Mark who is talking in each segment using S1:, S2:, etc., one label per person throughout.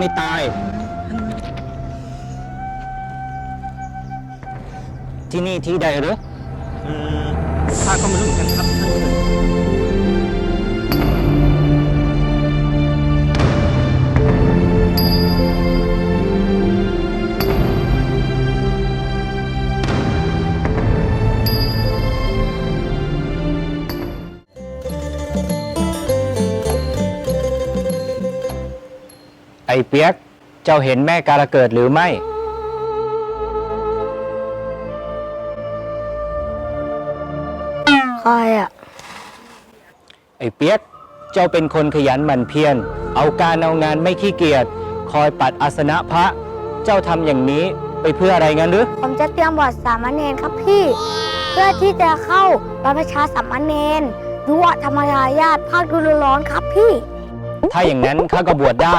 S1: ไม่ตาย ที่นี่ที่ใดหรือ
S2: ข้าก็ไม่รู้เหมือนกันครับท่าน
S1: ไอ้เปียก เจ้าเห็นแม่กาลเกิดหรือไม่
S3: ใครอ่ะ
S1: ไอ้เปียก เจ้าเป็นคนขยันหมั่นเพียร เอาการเอางานไม่ขี้เกียจ คอยปัดอาสนะพระ เจ้าทำอย่างนี้ไปเพื่ออะไรงั้นหรือ
S3: ผมจะเตรียมบวชสามเณรครับพี่ เพื่อที่จะเข้าบรรพชาสามเณรยุวธรรมยายาตภาคฤดูร้อนครับพี่
S1: ถ้าอย่างนั้นข้าก็บวชได้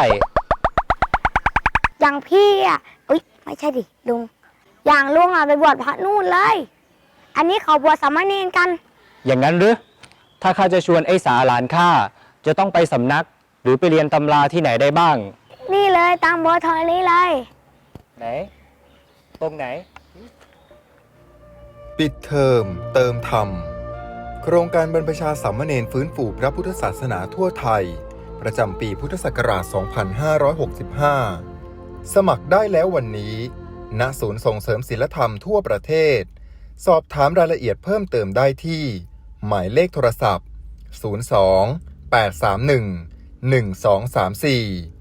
S3: อย่างพี่อ่ะอุ๊ยไม่ใช่ดิลุง อย่างลุงอ่ะไปบวชพระนู่นเลย อันนี้เขาบวชสามเณรกัน
S1: อย่างนั้นหรือ ถ้าข้าจะชวนไอ้สาหลานข้า จะต้องไปสำนัก หรือไปเรียนตำราที่ไหนได้บ้าง
S3: นี่เลยตามเบอร์โทรนี้เลย
S1: ไหน ตรงไหน
S4: ปิดเทอมเติมธรรม โครงการบรรพชาสามเณรฟื้นฟูพระพุทธศาสนาทั่วไทย ประจำปีพุทธศักราช 2565 สมัครได้แล้ววันนี้ ณ ศูนย์ส่งเสริมศีลธรรมทั่วประเทศ สอบถามรายละเอียดเพิ่มเติมได้ที่ หมายเลขโทรศัพท์ 02 831 1234